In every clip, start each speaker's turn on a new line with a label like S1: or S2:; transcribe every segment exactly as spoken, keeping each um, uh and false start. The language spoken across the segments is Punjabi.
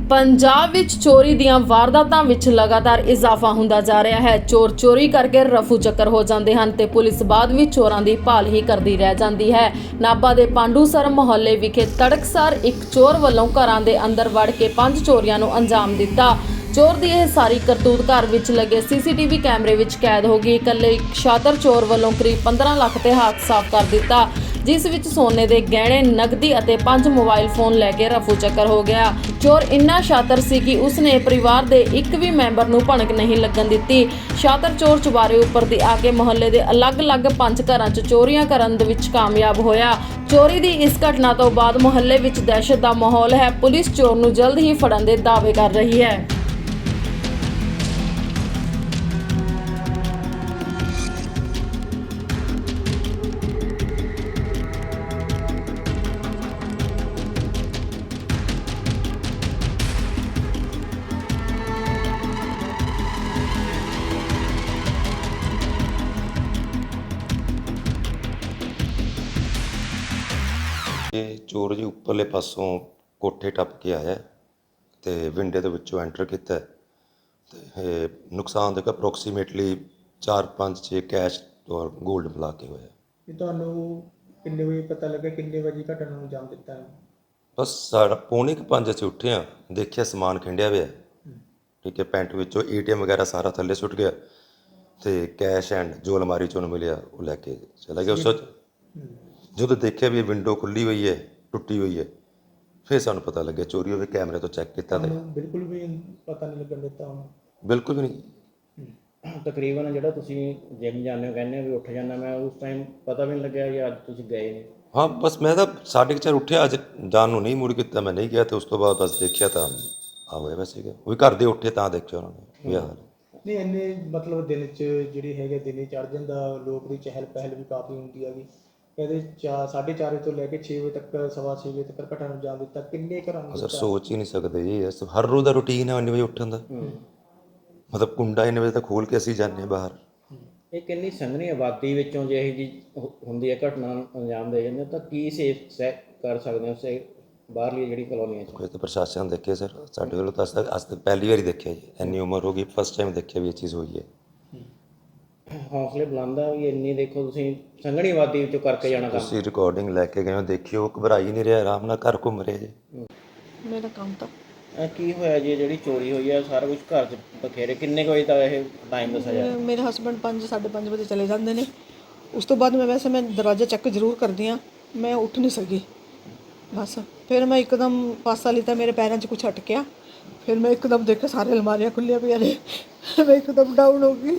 S1: ਪੰਜਾਬ ਵਿੱਚ ਚੋਰੀ ਦੀਆਂ ਵਾਰਦਾਤਾਂ ਵਿੱਚ ਲਗਾਤਾਰ ਇਜ਼ਾਫਾ ਹੁੰਦਾ ਜਾ ਰਿਹਾ ਹੈ। ਚੋਰ ਚੋਰੀ ਕਰਕੇ ਰਫੂ ਚੱਕਰ ਹੋ ਜਾਂਦੇ ਹਨ ਤੇ ਪੁਲਿਸ ਬਾਅਦ ਵਿੱਚ ਚੋਰਾਂ ਦੀ ਭਾਲ ਹੀ ਕਰਦੀ ਰਹਿ ਜਾਂਦੀ ਹੈ। ਨਾਭਾ ਦੇ ਪਾਂਡੂਸਰ ਮੁਹੱਲੇ ਵਿਖੇ ਤੜਕਸਾਰ ਇੱਕ ਚੋਰ ਵੱਲੋਂ ਘਰਾਂ ਦੇ ਅੰਦਰ ਵੜ ਕੇ ਪੰਜ ਚੋਰੀਆਂ ਨੂੰ ਅੰਜਾਮ ਦਿੱਤਾ। ਚੋਰ ਦੀ ਇਹ ਸਾਰੀ ਕਰਤੂਤ ਘਰ ਵਿੱਚ ਲੱਗੇ ਸੀਸੀਟੀਵੀ ਕੈਮਰੇ ਵਿੱਚ ਕੈਦ ਹੋ ਗਈ। ਇਕੱਲੇ ਇੱਕ ਸ਼ਾਤਰ ਚੋਰ ਵੱਲੋਂ ਕਰੀਬ ਪੰਦਰਾਂ ਲੱਖ ਤੇ ਹੱਥ ਸਾਫ਼ ਕਰ ਦਿੱਤਾ, ਜਿਸ ਵਿੱਚ ਸੋਨੇ ਦੇ ਗਹਿਣੇ, ਨਕਦੀ ਅਤੇ ਪੰਜ ਮੋਬਾਈਲ ਫੋਨ ਲੈ ਕੇ ਰਫੂ ਚੱਕਰ ਹੋ ਗਿਆ। ਚੋਰ ਇੰਨਾ ਸ਼ਾਤਰ ਸੀ ਕਿ ਉਸਨੇ ਪਰਿਵਾਰ ਦੇ ਇੱਕ ਵੀ ਮੈਂਬਰ ਨੂੰ ਭਣਕ ਨਹੀਂ ਲੱਗਣ ਦਿੱਤੀ। ਸ਼ਾਤਰ ਚੋਰ ਚੁਬਾਰੇ ਉੱਪਰ ਦੀ ਆ ਕੇ ਮੁਹੱਲੇ ਦੇ ਅਲੱਗ-ਅਲੱਗ ਪੰਜ ਘਰਾਂ 'ਚ ਚੋਰੀਆਂ ਕਰਨ ਦੇ ਵਿੱਚ ਕਾਮਯਾਬ ਹੋਇਆ। ਚੋਰੀ ਦੀ ਇਸ ਘਟਨਾ ਤੋਂ ਬਾਅਦ ਮੁਹੱਲੇ ਵਿੱਚ ਦਹਿਸ਼ਤ ਦਾ ਮਾਹੌਲ ਹੈ। ਪੁਲਿਸ ਚੋਰ ਨੂੰ ਜਲਦ ਹੀ ਫੜਨ ਦੇ ਦਾਅਵੇ ਕਰ ਰਹੀ ਹੈ।
S2: ਇਹ ਚੋਰ ਜੀ ਉੱਪਰਲੇ ਪਾਸੋਂ ਕੋਠੇ ਟੱਪ ਕੇ ਆਇਆ ਤੇ ਵਿੰਡੇ ਦੇ ਵਿੱਚੋਂ ਐਂਟਰ ਕੀਤਾ ਤੇ ਇਹ ਨੁਕਸਾਨ ਦੇਖੋ ਅਪਰੋਕਸੀਮੇਟਲੀ ਚਾਰ ਪੰਜ ਛੇ ਕੈਸ਼ ਔਰ ਗੋਲਡ ਮਿਲਾ ਕੇ ਹੋਇਆ।
S3: ਇਹ ਤੁਹਾਨੂੰ ਕਿੰਨੇ ਵਜੇ ਪਤਾ ਲੱਗਾ, ਕਿੰਨੇ ਵਜੇ ਘਟਨਾ ਨੂੰ ਅੰਜਾਮ ਦਿੱਤਾ ਹੈ?
S2: ਬਸ ਸਾਡਾ ਪੌਣੇ ਕੁ ਪੰਜ ਅਸੀਂ ਉੱਠੇ ਹਾਂ, ਦੇਖਿਆ ਸਮਾਨ ਖਿੰਡਿਆ ਹੋਇਆ, ਠੀਕ ਹੈ, ਪੈਂਟ ਵਿੱਚੋਂ ਏ ਟੀ ਐਮ ਵਗੈਰਾ ਸਾਰਾ ਥੱਲੇ ਸੁੱਟ ਗਿਆ ਤੇ ਕੈਸ਼ ਐਂਡ ਜੋ ਅਲਮਾਰੀ 'ਚੋਂ ਮਿਲਿਆ ਉਹ ਲੈ ਕੇ ਚਲਾ ਗਿਆ। ਉਸ ਜਦੋਂ ਦੇਖਿਆ ਵੀ ਇਹ ਵਿੰਡੋ ਖੁੱਲੀ ਹੋਈ ਹੈ, ਟੁੱਟੀ ਹੋਈ ਹੈ, ਫਿਰ ਸਾਨੂੰ ਪਤਾ ਲੱਗਿਆ ਚੋਰੀ ਹੋਵੇ। ਕੈਮਰੇ ਤੋਂ ਚੈੱਕ ਕੀਤਾ ਤੇ
S3: ਬਿਲਕੁਲ ਵੀ ਪਤਾ ਨਹੀਂ ਲੱਗਣ ਦਿੱਤਾ ਉਹਨੂੰ,
S2: ਬਿਲਕੁਲ ਵੀ ਨਹੀਂ।
S4: ਤਕਰੀਬਨ ਜਿਹੜਾ ਤੁਸੀਂ ਜਿਮ ਜਾਂਦੇ ਹੋ, ਕਹਿੰਦੇ ਹੋ ਵੀ ਉੱਠ ਜਾਂਦਾ, ਮੈਂ ਉਸ ਟਾਈਮ ਪਤਾ ਵੀ ਨਹੀਂ ਲੱਗਿਆ ਕਿ ਅੱਜ ਤੁਸੀਂ ਗਏ ਨੇ?
S2: ਹਾਂ, ਬਸ ਮੈਂ ਤਾਂ ਸਾਢੇ ਕੁ ਚਾਰ ਉੱਠਿਆ, ਅੱਜ ਜਾਣ ਨੂੰ ਨਹੀਂ ਮੁੜ ਕੀਤਾ, ਮੈਂ ਨਹੀਂ ਗਿਆ ਤੇ ਉਸ ਤੋਂ ਬਾਅਦ ਬਸ ਦੇਖਿਆ ਤਾਂ ਆ ਹੋਇਆ ਵੈਸੇ ਗਿਆ। ਉਹ ਵੀ ਘਰ ਦੇ ਉੱਠੇ ਤਾਂ ਦੇਖਿਆ ਉਹਨਾਂ ਨੇ ਇਹ ਹਾਲ।
S3: ਨਹੀਂ ਇੰਨੇ ਮਤਲਬ ਦਿਨ 'ਚ ਜਿਹੜੀ ਹੈਗੇ ਦਿਨੇ ਚੜ੍ਹ ਜਾਂਦਾ, ਲੋਕ ਦੀ ਚਹਿਲ ਪਹਿਲ ਵੀ ਕਾਫੀ ਹੁੰਦੀ ਹੈਗੀ। ਕਹਿੰਦੇ ਚਾਰ ਸਾਢੇ ਚਾਰ ਵਜੇ ਤੋਂ ਲੈ ਕੇ ਛੇ ਵਜੇ ਤੱਕ, ਸਵਾ ਛੇ ਵਜੇ ਤੱਕ ਘਟਨਾ ਨੂੰ ਅੰਜਾਮ ਦਿੱਤਾ। ਕਿੰਨੇ ਘਰਾਂ ਨੂੰ
S2: ਸਰ ਸੋਚ ਹੀ ਨਹੀਂ ਸਕਦੇ ਜੀ, ਇਸ ਹਰ ਰੋਜ਼ ਦਾ ਰੂਟੀਨ ਹੈ ਇੰਨੇ ਵਜੇ ਉੱਠਣ ਦਾ। ਮਤਲਬ ਕੁੰਡਾ ਇੰਨੇ ਵਜੇ ਤੱਕ ਖੋਲ੍ਹ ਕੇ ਅਸੀਂ ਜਾਂਦੇ ਹਾਂ ਬਾਹਰ।
S4: ਇਹ ਕਿੰਨੀ ਸੰਘਣੀ ਆਬਾਦੀ ਵਿੱਚੋਂ ਜੇ ਇਹੋ ਜਿਹੀ ਹੁੰਦੀ ਹੈ ਘਟਨਾ ਨੂੰ ਅੰਜਾਮ ਦੇ ਜਾਂਦੇ ਤਾਂ ਕੀ ਸੇਫ ਸੈਕ ਕਰ ਸਕਦੇ ਹੋ ਸੇ ਬਾਹਰਲੀ ਜਿਹੜੀ ਕਲੋਨੀਆਂ 'ਚ?
S2: ਕੋਈ ਤਾਂ ਪ੍ਰਸ਼ਾਸਨ ਦੇਖੇ ਸਰ, ਸਾਡੇ ਵੱਲੋਂ ਤਾਂ ਅੱਜ ਤੱਕ ਅੱਜ ਤੱਕ ਪਹਿਲੀ ਵਾਰੀ ਦੇਖਿਆ ਜੀ, ਇੰਨੀ ਉਮਰ ਹੋ ਗਈ, ਫਸਟ ਟਾਈਮ ਦੇਖਿਆ ਵੀ ਇਹ ਚੀਜ਼ ਹੋਈ ਹੈ।
S4: ਹੌਸਲੇ ਬੁਲੰਦ ਆ ਵੀ ਇੰਨੀ ਦੇਖੋ ਤੁਸੀਂ ਸੰਘਣੀ ਆਬਾਦੀ ਵਿੱਚੋਂ ਕਰਕੇ ਜਾਣਾ ਕੰਮ।
S2: ਤੁਸੀਂ ਰਿਕਾਰਡਿੰਗ ਲੈ ਕੇ ਗਏ ਹੋ, ਦੇਖਿਓ, ਘਬਰਾ ਹੀ ਨਹੀਂ ਰਿਹਾ, ਆਰਾਮ ਨਾਲ ਘਰ ਘੁੰਮ ਰਿਹਾ ਜੀ।
S1: ਮੇਰਾ ਕੰਮ ਤਾਂ
S4: ਇਹ ਕੀ ਹੋਇਆ ਜੀ ਜਿਹੜੀ ਚੋਰੀ ਹੋਈ ਹੈ? ਸਾਰਾ ਕੁਝ ਘਰ 'ਚ ਬਖੇਰੇ। ਕਿੰਨੇ ਕੁ ਵਜੇ ਤੱਕ ਇਹ ਟਾਈਮ ਦੱਸਿਆ ਜਾ?
S5: ਮੇਰੇ ਹਸਬੈਂਡ ਪੰਜ ਸਾਢੇ ਪੰਜ ਵਜੇ ਚਲੇ ਜਾਂਦੇ ਨੇ। ਉਸ ਤੋਂ ਬਾਅਦ ਮੈਂ ਵੈਸੇ ਮੈਂ ਦਰਵਾਜ਼ਾ ਚੈੱਕ ਜ਼ਰੂਰ ਕਰਦੀ ਹਾਂ, ਮੈਂ ਉੱਠ ਨਹੀਂ ਸਕੀ। ਬਸ ਫਿਰ ਮੈਂ ਇੱਕਦਮ ਪਾਸਾ ਲਿੱਤਾ, ਮੇਰੇ ਪੈਰਾਂ 'ਚ ਕੁਛ ਅਟਕਿਆ, ਫਿਰ ਮੈਂ ਇੱਕਦਮ ਦੇਖਿਆ ਸਾਰੇ ਅਲਮਾਰੀਆਂ ਖੁੱਲ੍ਹੀਆਂ ਪਈਆਂ ਨੇ, ਮੈਂ ਇੱਕਦਮ ਡਾਊਨ ਹੋ ਗਈ।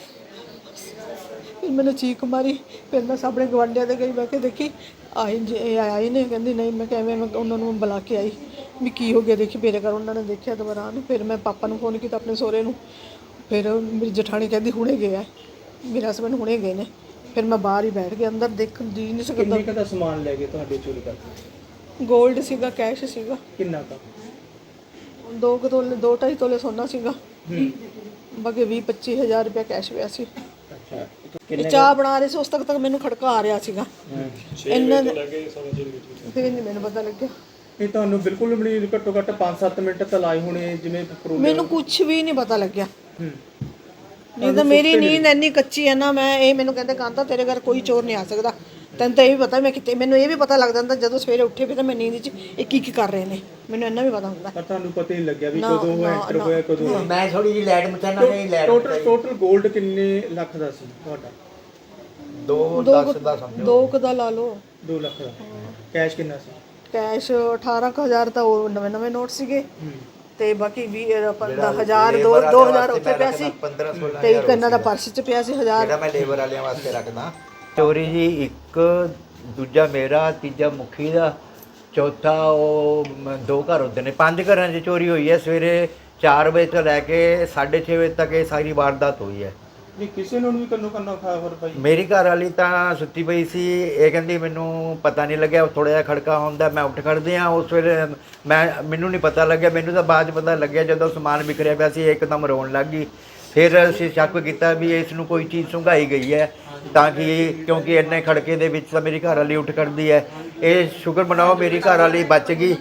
S5: ਫਿਰ ਮੈਨੂੰ ਚੀਕ ਮਾਰੀ, ਫਿਰ ਮੈਂ ਸਾਹਮਣੇ ਗਵਾਂਢੀਆਂ ਦੇ ਗਈ, ਮੈਂ ਕਿ ਦੇਖੀ ਆਈ ਜੇ ਆਈ ਨੇ, ਕਹਿੰਦੀ ਨਹੀਂ। ਮੈਂ ਕਿਵੇਂ ਮੈਂ ਉਹਨਾਂ ਨੂੰ ਬੁਲਾ ਕੇ ਆਈ ਵੀ ਕੀ ਹੋ ਗਿਆ, ਦੇਖੀ ਮੇਰੇ ਘਰ। ਉਹਨਾਂ ਨੇ ਦੇਖਿਆ ਦੁਬਾਰਾ ਨੂੰ, ਫਿਰ ਮੈਂ ਪਾਪਾ ਨੂੰ ਫੋਨ ਕੀਤਾ ਆਪਣੇ ਸਹੁਰੇ ਨੂੰ, ਫਿਰ ਮੇਰੀ ਜਠਾਣੀ ਕਹਿੰਦੀ ਹੁਣੇ ਗਿਆ, ਮੇਰੇ ਹਸਬੈਂਡ ਹੁਣੇ ਗਏ ਨੇ। ਫਿਰ ਮੈਂ ਬਾਹਰ ਹੀ ਬੈਠ ਕੇ ਅੰਦਰ ਦੇਖ ਜੀ ਨਹੀਂ ਸਕਦਾ।
S3: ਕਿੰਨੇ ਦਾ ਸਮਾਨ ਲੈ ਗਏ ਤੁਹਾਡੇ ਚੋਰੀ ਕਰਕੇ?
S5: ਗੋਲਡ ਸੀਗਾ, ਕੈਸ਼ ਸੀਗਾ।
S3: ਕਿੰਨਾ ਕੁ?
S5: ਦੋ ਕੁ ਤੋਲੇ, ਦੋ ਢਾਈ ਤੋਲੇ ਸੋਨਾ ਸੀਗਾ, ਬਾਕੀ ਵੀਹ ਪੱਚੀ ਹਜ਼ਾਰ ਰੁਪਇਆ ਕੈਸ਼ ਪਿਆ ਸੀ।
S4: ਅੱਛਾ,
S5: ਇਹ ਚਾਹ ਬਣਾ ਰਹੇ ਸੀ, ਉਸ ਤੱਕ ਤੱਕ ਮੈਨੂੰ ਖੜਕਾ ਆ ਰਿਹਾ ਸੀਗਾ। ਇਹਨਾਂ ਦੇ ਫਿਰ ਨਹੀਂ ਮੈਨੂੰ ਪਤਾ ਲੱਗਿਆ।
S3: ਇਹ ਤੁਹਾਨੂੰ ਬਿਲਕੁਲ ਵੀ ਨਹੀਂ, ਘੱਟੋ ਘੱਟ ਪੰਜ ਸੱਤ ਮਿੰਟ ਤਾਂ ਲਾਏ ਹੋਣੇ ਜਿਵੇਂ?
S5: ਮੈਨੂੰ ਕੁਝ ਵੀ ਨਹੀਂ ਪਤਾ ਲੱਗਿਆ। ਨਹੀਂ ਤਾਂ ਮੇਰੀ ਨੀਂਦ ਇੰਨੀ ਕੱਚੀ ਹੈ ਨਾ, ਮੈਂ ਇਹ ਮੈਨੂੰ ਕਹਿੰਦੇ ਕਾਂਤਾ ਤੇਰੇ ਘਰ ਕੋਈ ਚੋਰ ਨਹੀਂ ਆ ਸਕਦਾ, ਤੈਨੂੰ ਤਾਂ ਇਹ ਵੀ ਪਤਾ ਮੈਂ ਕਿਤੇ, ਮੈਨੂੰ ਇਹ ਵੀ ਪਤਾ ਲੱਗ ਜਾਂਦਾ ਜਦੋਂ ਸਵੇਰੇ ਉੱਠੇ ਵੀ ਤਾਂ ਮੈਂ ਨੀਂਦ 'ਚ ਇਹ ਕੀ ਕੀ ਕਰ ਰਹੇ ਨੇ, ਮੈਨੂੰ ਇੰਨਾ ਵੀ ਪਤਾ ਹੁੰਦਾ।
S3: ਪਰ ਤੁਹਾਨੂੰ ਪਤਾ ਹੀ ਲੱਗਿਆ ਵੀ ਕਦੋਂ ਉਹ ਐਂਟਰ ਹੋਇਆ, ਕਦੋਂ?
S6: ਮੈਂ ਥੋੜੀ ਜਿਹੀ ਲਾਈਟ ਮਚਾਣਾ ਨਹੀਂ ਲਾਈਟ।
S3: ਟੋਟਲ ਟੋਟਲ ਗੋਲਡ ਕਿੰਨੇ ਲੱਖ ਦਾ ਸੀ ਤੁਹਾਡਾ?
S6: ਦੋ ਲੱਖ ਦਾ ਸਮਝੋ,
S5: ਦੋ ਕੁ ਦਾ ਲਾ ਲਓ।
S3: ਦੋ ਲੱਖ ਦਾ। ਕੈਸ਼ ਕਿੰਨਾ ਸੀ?
S5: ਕੈਸ਼ ਅਠਾਰਾਂ ਕੁ ਹਜ਼ਾਰ ਤਾਂ ਉਹ ਨਵੇਂ ਨਵੇਂ ਨੋਟ ਸੀਗੇ, ਤੇ ਬਾਕੀ ਵੀਹ ਪੰਦਰਾਂ ਹਜ਼ਾਰ ਦੋ ਦੋ ਹਜ਼ਾਰ ਉੱਥੇ ਪਿਆ ਸੀ, ਤੇ ਇੱਕ ਇਹਨਾਂ ਦਾ ਪਰਸ 'ਚ ਪਿਆ ਸੀ ਹਜ਼ਾਰ।
S6: ਜਿਹੜਾ ਮੈਂ ਲੇਬਰ ਵਾਲਿਆਂ ਵਾਸਤੇ ਰੱਖਦਾ। ਚੋਰੀ ਜੀ ਇੱਕ, ਦੂਜਾ ਮੇਰਾ, ਤੀਜਾ ਮੁਖੀ ਦਾ, ਚੌਥਾ ਉਹ ਦੋ ਘਰ ਹੁੰਦੇ ਨੇ। ਪੰਜ ਘਰਾਂ 'ਚ ਚੋਰੀ ਹੋਈ ਹੈ। ਸਵੇਰੇ ਚਾਰ ਵਜੇ ਤੋਂ ਲੈ ਕੇ ਸਾਢੇ ਛੇ ਵਜੇ ਤੱਕ ਇਹ ਸਾਰੀ ਵਾਰਦਾਤ ਹੋਈ ਹੈ।
S3: ਨਹੀਂ ਕਿਸੇ ਨੂੰ ਵੀ ਕੰਨੋ ਕੰਨਾ ਖਾ ਹੋਰ ਭਾਈ?
S6: ਮੇਰੀ ਘਰ ਵਾਲੀ ਤਾਂ ਸੁੱਤੀ ਪਈ ਸੀ, ਇਹ ਕਹਿੰਦੀ ਮੈਨੂੰ ਪਤਾ ਨਹੀਂ ਲੱਗਿਆ, ਥੋੜ੍ਹਾ ਜਿਹਾ ਖੜਕਾ ਹੁੰਦਾ, ਮੈਂ ਉੱਠ ਖੜਦੇ ਹਾਂ। ਉਸ ਵੇਲੇ ਮੈਂ ਮੈਨੂੰ ਨਹੀਂ ਪਤਾ ਲੱਗਿਆ, ਮੈਨੂੰ ਤਾਂ ਬਾਅਦ 'ਚ ਪਤਾ ਲੱਗਿਆ ਜਦੋਂ ਸਮਾਨ ਵਿਖਰਿਆ ਪਿਆ ਸੀ, ਇੱਕਦਮ ਰੋਣ ਲੱਗ ਗਈ। ਫਿਰ ਅਸੀਂ ਸ਼ੱਕ ਕੀਤਾ ਵੀ ਇਸ ਨੂੰ ਕੋਈ ਚੀਜ਼ ਸੁੰਘਾਈ ਗਈ ਹੈ, ਤਾਂ ਕਿ ਕਿਉਂਕਿ ਇੰਨੇ ਖੜਕੇ ਦੇ ਵਿੱਚ ਤਾਂ ਮੇਰੀ ਘਰ ਵਾਲੀ ਉੱਠ ਖੜਦੀ ਹੈ। ਇਹ ਸ਼ੁਕਰ ਮਨਾਓ ਮੇਰੀ ਘਰ ਵਾਲੀ ਬਚ ਗਈ।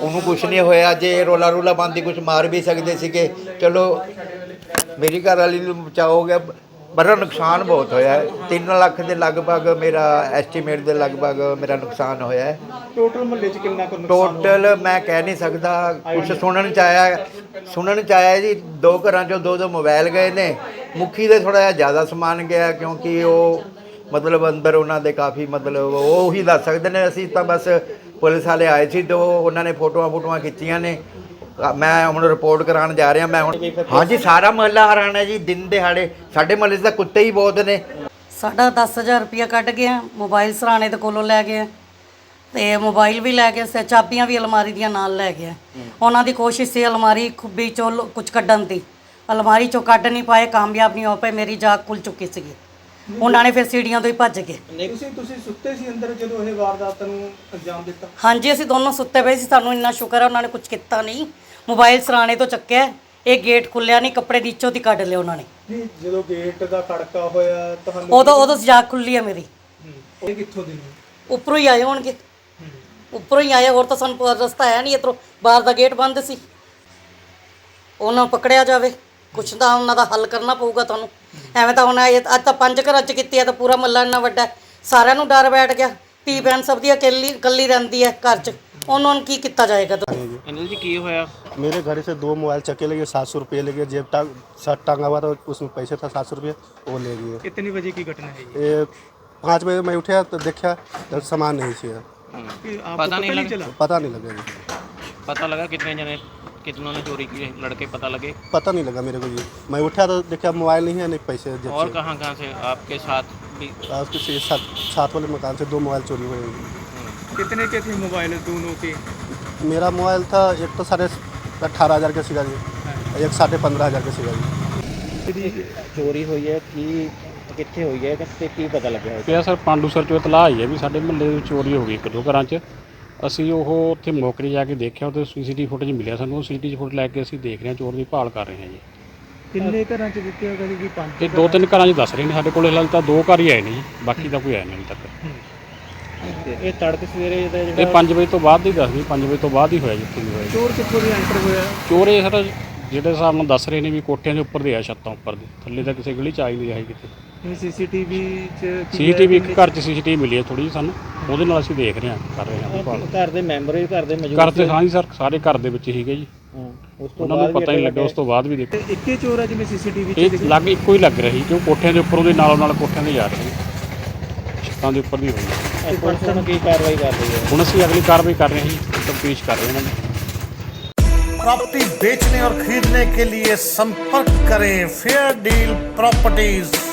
S6: ਉਹਨੂੰ ਕੁਝ ਨਹੀਂ ਹੋਇਆ। ਜੇ ਰੋਲਾ ਰੋਲਾ ਬੰਦੀ ਕੁਝ ਮਾਰ ਵੀ ਸਕਦੇ ਸੀਗੇ, ਚਲੋ ਮੇਰੀ ਘਰ ਵਾਲੀ ਨੂੰ ਬਚਾਅ ਹੋ ਗਿਆ। ਬੜਾ ਨੁਕਸਾਨ ਬਹੁਤ ਹੋਇਆ ਹੈ। ਤਿੰਨ ਲੱਖ ਦੇ ਲਗਭਗ ਮੇਰਾ ਐਸਟੀਮੇਟ ਦੇ ਲਗਭਗ ਮੇਰਾ ਨੁਕਸਾਨ ਹੋਇਆ ਹੈ।
S3: ਟੋਟਲ ਮੁਹੱਲੇ 'ਚ ਕਿੰਨਾ ਕੁ ਨੁਕਸਾਨ ਹੋਇਆ?
S6: ਟੋਟਲ ਮੈਂ ਕਹਿ ਨਹੀਂ ਸਕਦਾ, ਕੁਛ ਸੁਣਨ ਚ ਆਇਆ ਸੁਣਨ ਚ ਆਇਆ ਜੀ ਦੋ ਘਰਾਂ ਚੋਂ ਦੋ ਦੋ ਮੋਬਾਈਲ ਗਏ ਨੇ। ਮੁਖੀ ਦੇ ਥੋੜਾ ਜਿਹਾ ਜ਼ਿਆਦਾ ਸਮਾਨ ਗਿਆ, ਕਿਉਂਕਿ ਉਹ ਮਤਲਬ ਅੰਦਰ ਉਹਨਾਂ ਦੇ ਕਾਫੀ ਮਤਲਬ ਉਹ ਹੀ ਦੱਸ ਸਕਦੇ ਨੇ। ਅਸੀਂ ਤਾਂ ਬਸ ਪੁਲਿਸ ਵਾਲੇ ਆਏ ਸੀ ਤੇ ਉਹਨਾਂ ਨੇ ਫੋਟੋਆਂ ਫੋਟੋਆਂ ਖਿੱਚੀਆਂ ਨੇ। ਮੈਂ ਹੁਣ ਰਿਪੋਰਟ ਕਰਾਉਣ ਜਾ ਰਿਹਾ। ਮੈਂ ਹੁਣ ਹਾਂਜੀ ਸਾਰਾ ਮਹੱਲਾ ਹੈਰਾਨ ਹੈ ਜੀ। ਦਿਨ ਦਿਹਾੜੇ ਸਾਡੇ ਮਹੱਲੇ 'ਚ ਤਾਂ ਕੁੱਤੇ ਹੀ ਬਹੁਤ ਨੇ।
S7: ਸਾਡਾ ਦਸ ਹਜ਼ਾਰ ਰੁਪਇਆ ਕੱਢ ਗਿਆ, ਮੋਬਾਈਲ ਸਰਾਣੇ ਦੇ ਕੋਲੋਂ ਲੈ ਗਏ ਤੇ ਮੋਬਾਈਲ ਵੀ ਲੈ ਗਏ ਸੇ, ਚਾਬੀਆਂ ਵੀ ਅਲਮਾਰੀ ਦੀਆਂ ਨਾਲ ਲੈ ਗਏ। ਉਹਨਾਂ ਦੀ ਕੋਸ਼ਿਸ਼ ਸੀ ਅਲਮਾਰੀ ਖੁੱਬੀ ਚੋਂ ਕੁਝ ਕੱਢਣ ਦੀ, ਅਲਮਾਰੀ ਚੋਂ ਕੱਢ ਨਹੀਂ ਪਾਏ, ਕਾਮਯਾਬ ਨਹੀਂ ਹੋ ਪਏ। ਮੇਰੀ ਜਾਗ ਖੁੱਲ ਚੁੱਕੀ ਸੀਗੀ। ਉਹਨਾਂ ਨੇ ਫਿਰ ਸੀੜੀਆਂ ਤੋਂ ਹੀ ਭੱਜ ਗਏ।
S3: ਤੁਸੀਂ ਤੁਸੀਂ ਸੁੱਤੇ ਸੀ ਅੰਦਰ ਜਦੋਂ ਇਹ ਵਾਰਦਾਤ ਨੂੰ ਅੰਜਾਮ ਦਿੱਤਾ?
S7: ਹਾਂਜੀ ਅਸੀਂ ਦੋਨੋਂ ਸੁੱਤੇ ਪਏ ਸੀ। ਸਾਨੂੰ ਇੰਨਾ ਸ਼ੁਕਰ ਹੈ ਉਹਨਾਂ ਨੇ ਕੁਝ ਕੀਤਾ ਨਹੀਂ। ਮੋਬਾਈਲ ਸਰਾਣੇ ਤੋਂ ਚੱਕਿਆ, ਇਹ ਗੇਟ ਖੁੱਲਿਆ ਨਹੀਂ, ਕੱਪੜੇ ਦੀ ਇੱਚੋ ਦੀ ਕੱਢ ਲਿਆ ਉਹਨਾਂ ਨੇ।
S3: ਨਹੀਂ, ਜਦੋਂ ਗੇਟ ਦਾ ਖੜਕਾ ਹੋਇਆ ਤੁਹਾਨੂੰ
S7: ਉਦੋਂ ਉਦੋਂ ਜਾਗ ਖੁੱਲੀ ਹੈ ਮੇਰੀ।
S3: ਹੂੰ। ਇਹ ਕਿੱਥੋਂ ਦੀ ਨੇ?
S7: ਉੱਪਰੋਂ ਹੀ ਆਏ ਹੋਣਗੇ, ਉੱਪਰੋਂ ਹੀ ਆਏ। ਹੋਰ ਤਾਂ ਸਾਨੂੰ ਰਸਤਾ ਹੈ ਨਹੀਂ ਇੱਧਰੋਂ, ਬਾਹਰ ਦਾ ਗੇਟ ਬੰਦ ਸੀ। ਉਹਨਾਂ ਨੂੰ ਪਕੜਿਆ ਜਾਵੇ, ਕੁਛ ਤਾਂ ਉਹਨਾਂ ਦਾ ਹੱਲ ਕਰਨਾ ਪਊਗਾ ਤੁਹਾਨੂੰ। ਐਵੇਂ ਤਾਂ ਹੁਣ ਇਹ ਅੱਜ ਤਾਂ ਪੰਜ ਘਰਾਂ 'ਚ ਕੀਤੀ ਹੈ ਤਾਂ ਪੂਰਾ ਮੱਲਾ ਇੰਨਾ ਵੱਡਾ, ਸਾਰਿਆਂ ਨੂੰ ਡਰ ਬੈਠ ਗਿਆ। ਧੀ ਭੈਣ ਸਭ ਦੀ ਇਕੱਲੀ ਇਕੱਲੀ ਰਹਿੰਦੀ ਹੈ ਘਰ 'ਚ, ਉਹਨਾਂ ਨੂੰ ਕੀ ਕੀਤਾ ਜਾਏਗਾ?
S4: ਅਨਿਲ ਜੀ ਕੀ ਹੋਇਆ?
S8: मेरे घर से दो मोबाइल चक्के ले गए, सात सौ रुपये ले गए। जेब टांग शर्ट टांगा हुआ था, उसमें पैसे था सात सौ रुपये, वो ले गए।
S3: कितनी बजे की घटना है ये?
S8: ये पाँच बजे मैं उठा तो देखा तो सामान नहीं चाहिए।
S3: कि आपको
S4: पता नहीं लगा?
S3: चला?
S8: पता नहीं लगा जी,
S4: पता लगा कितने जने कितनों ने चोरी की है? लड़के पता लगे?
S8: पता नहीं लगा मेरे को जी। मैं उठा तो देखा मोबाइल नहीं है, नहीं पैसे जेब
S4: और
S8: से।
S4: कहाँ कहाँ से आपके साथ भी?
S8: आ, उसके से सात सात वाले मकान से दो मोबाइल चोरी हुए।
S3: कितने के थे मोबाइल दोनों के?
S8: मेरा मोबाइल था एक तो साढ़े अट्ठारह हज़ार का सीगा जी, एक साढ़े पंद्रह हज़ार का सीगा जी।
S4: ਚੋਰੀ ਹੋਈ ਹੈ ਕੀ ਕਿੱਥੇ ਹੋਈ ਹੈ ਤੇ ਕੀ ਪਤਾ ਲੱਗਿਆ?
S9: ਪਿਆ ਸਰ ਪਾਂਡੂਸਰ ਚੋਂ ਇਤਲਾਹ ਆਈ ਹੈ ਵੀ ਸਾਡੇ ਮੁਹੱਲੇ ਦੇ ਵਿੱਚ ਚੋਰੀ ਹੋ ਗਈ ਇੱਕ ਦੋ ਘਰਾਂ 'ਚ। ਅਸੀਂ ਉਹ ਉੱਥੇ ਮੌਕੇ 'ਤੇ ਜਾ ਕੇ ਦੇਖਿਆ, ਉਹਦੇ ਸੀਸੀਟੀਵੀ ਫੁਟੇਜ ਮਿਲਿਆ ਸਾਨੂੰ। ਉਹ ਸੀਸੀਟੀਵੀ ਫੁਟੇਜ ਲੈ ਕੇ ਅਸੀਂ ਦੇਖ ਰਹੇ ਹਾਂ, ਚੋਰ ਦੀ ਭਾਲ ਕਰ ਰਹੇ ਹਾਂ ਜੀ।
S3: ਕਿੰਨੇ ਘਰਾਂ 'ਚ ਦਿੱਤੇ ਹੋ ਗਏ ਜੀ? ਪੰਜ?
S9: ਇਹ ਦੋ ਤਿੰਨ ਘਰਾਂ 'ਚ ਦੱਸ ਰਹੇ ਨੇ ਸਾਡੇ ਕੋਲ, ਹਾਲੇ ਤਾਂ ਦੋ ਘਰ ਹੀ ਆਏ ਨੇ ਜੀ, ਬਾਕੀ ਤਾਂ ਕੋਈ ਆਇਆ ਨਹੀਂ ਹਾਲੇ ਤੱਕ।
S4: ਇਹ ਤੜਕੇ ਸਵੇਰੇ ਜਿਹੜਾ
S9: ਇਹ ਪੰਜ ਵਜੇ ਤੋਂ ਬਾਅਦ ਦੀ ਦੱਸਦੀ, ਪੰਜ ਵਜੇ ਤੋਂ ਬਾਅਦ ਹੀ ਹੋਇਆ ਜਿੱਥੇ ਵੀ ਹੋਇਆ।
S3: ਚੋਰ ਕਿੱਥੋਂ ਦੀ ਐਂਟਰ ਹੋਇਆ?
S9: ਚੋਰ ਇਹ ਸਰ ਜਿਹੜੇ ਹਿਸਾਬ ਨਾਲ ਦੱਸ ਰਹੇ ਨੇ ਵੀ ਕੋਠਿਆਂ ਦੇ ਉੱਪਰ ਦੇ ਆ, ਛੱਤਾਂ ਉੱਪਰ ਦੇ, ਥੱਲੇ ਤਾਂ ਕਿਸੇ ਗਲੀ 'ਚ ਆ ਹੀ ਨਹੀਂ ਰਿਹਾ ਕਿਤੇ।
S3: ਇਹ ਸੀਸੀਟੀਵੀ 'ਚ
S9: ਸੀਸੀਟੀਵੀ ਇੱਕ ਘਰ 'ਚ ਸੀਸੀਟੀਵੀ ਮਿਲੀ ਹੈ ਥੋੜੀ ਜਿਹੀ ਸਾਨੂੰ, ਉਹਦੇ ਨਾਲ ਅਸੀਂ ਦੇਖ ਰਹੇ ਹਾਂ, ਕਰ ਰਹੇ ਹਾਂ ਭਾਲ।
S4: ਘਰ ਦੇ ਮੈਂਬਰ ਵੀ ਘਰ ਦੇ ਮੌਜੂਦ
S9: ਘਰ ਤੇ ਹਾਂ ਜੀ ਸਰ, ਸਾਰੇ ਘਰ ਦੇ ਵਿੱਚ ਸੀਗੇ ਜੀ।
S4: ਉਸ ਤੋਂ
S9: ਉਹਨਾਂ ਨੂੰ ਪਤਾ ਹੀ ਨਹੀਂ ਲੱਗਾ, ਉਸ ਤੋਂ ਬਾਅਦ ਵੀ ਦੇਖੋ
S3: ਤੇ ਇੱਕੇ ਚੋਰ ਆ ਜਿਵੇਂ ਸੀਸੀਟੀਵੀ 'ਚ
S9: ਇਹ
S3: ਦਿਖਿਆ?
S9: ਲੱਗ ਇੱਕੋ ਹੀ ਲੱਗ ਰਹੀ, ਕਿਉਂ ਕੋਠਿਆਂ ਦੇ ਉੱਪਰੋਂ ਦੇ ਨਾਲੋਂ ਨਾਲ ਕੋਠਿਆਂ ਦੇ ਜਾ ਰਹੇ ਛੱਤਾਂ ਦੇ ਉੱਪਰ ਦੀ ਹੋਈ।
S4: ਪੁਲਿਸ ਨੂੰ ਕੀ ਕਾਰਵਾਈ ਕਰ ਰਹੀ ਹੈ?
S9: ਹੁਣ ਅਸੀਂ ਅਗਲੀ ਕਾਰਵਾਈ ਕਰ ਰਹੇ ਹਾਂ ਜੀ, ਤਫਤੀਸ਼ ਕਰ ਰਹੇ ਹਾਂ।
S10: प्रॉपर्टी बेचने और खरीदने के लिए संपर्क करें फेयर डील प्रॉपर्टीज।